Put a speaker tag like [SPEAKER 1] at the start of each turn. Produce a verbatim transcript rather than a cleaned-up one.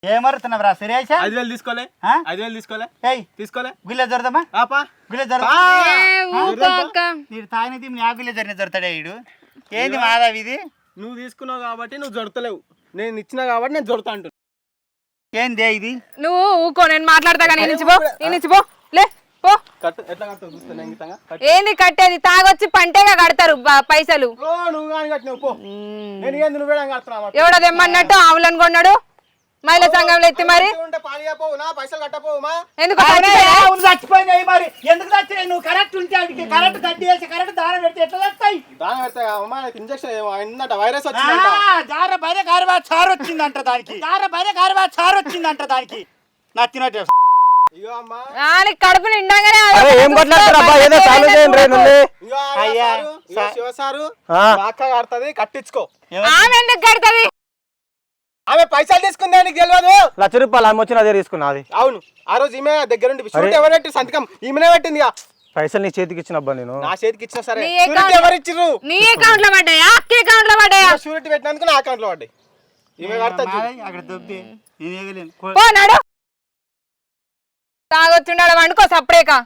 [SPEAKER 1] ఏమరుతున్నావు రా సురేష్?
[SPEAKER 2] ఐదు వేలు తీసుకోలే ఐదు వేలు తీసుకోలే తీసుకోలే
[SPEAKER 1] గుళ్ళ దొరదమ్మా గుళ్ళ దొర తాగినది నీ ఆ గుళ్ళ జరిగిన దొరుకుతాడే వీడు. ఏంది మాధవ్ ఇది?
[SPEAKER 2] నువ్వు తీసుకున్నావు కాబట్టి నువ్వు జొడతలేవు, నేను ఇచ్చినా కాబట్టి నేను జొడతా అంటున్నా.
[SPEAKER 1] ఏందే ఇది?
[SPEAKER 3] నువ్వు ఊకో, నేను మాట్లాడతా కానీ నుంచి పో నుంచి పో లే పో.
[SPEAKER 2] ఎట్లా కడతావు చూస్తా.
[SPEAKER 3] ఏంది కట్టేది? తాగొచ్చి పంటేగా కడతారు పైసలు.
[SPEAKER 2] నువ్వు కానీ కట్టినావు పో. నేను ఏంది నువ్వే కడుతున్నావు?
[SPEAKER 3] ఎవడో తెమ్మన్నట్టు ఆవులను కొన్నాడు మహిళా సంఘంలో ఎత్తి మరి ఎందుకు
[SPEAKER 1] చచ్చిపోయినాయి మరి ఎందుకు చచ్చినాయి? నువ్వు కరెక్ట్ ఉంటే అడిగి కరెక్ట్ కట్టి వేసి కరెక్ట్ దారం పెడితే ఎట్లా వస్తాయి?
[SPEAKER 2] వైరస్
[SPEAKER 1] జార బయట గారివా చారు వచ్చిందంట దానికి, జార బయట గారివా చారు వచ్చిందంట దానికి. నచ్చినట్టు
[SPEAKER 3] కడుపు నిండాగానే
[SPEAKER 2] ఏం కడుతుంది కట్టించుకో.
[SPEAKER 3] ఆమె ఎందుకు కడుతుంది?
[SPEAKER 2] ఆమె పైసలు తీసుకుందా నీకు తెలియదు?
[SPEAKER 4] లక్ష రూపాయలు ఆమె వచ్చిన అదే తీసుకున్నది.
[SPEAKER 2] అవును, ఆ రోజు ఈమె దగ్గర ఉండి ఎవరు పెట్టి సంతకం ఈమెనే పెట్టింది.
[SPEAKER 4] పైసలు నీ చేతికి ఇచ్చినబ్బా నేను.
[SPEAKER 2] నా చేతికి ఇచ్చిన సరే
[SPEAKER 3] ఎవరు ఇచ్చిర్రు? నీ అకౌంట్ లో పడ్డాయా? అక్క అకౌంట్ లో పడ్డాయా?
[SPEAKER 2] షూరిటీ పెట్టినందుకు నా అకౌంట్ లో పడ్డాయి. ఈమె కడతా
[SPEAKER 1] అక్కడ దొబ్బి
[SPEAKER 3] పోనాడు తాగొచ్చుండాడు వండుకో సప్పుడేక.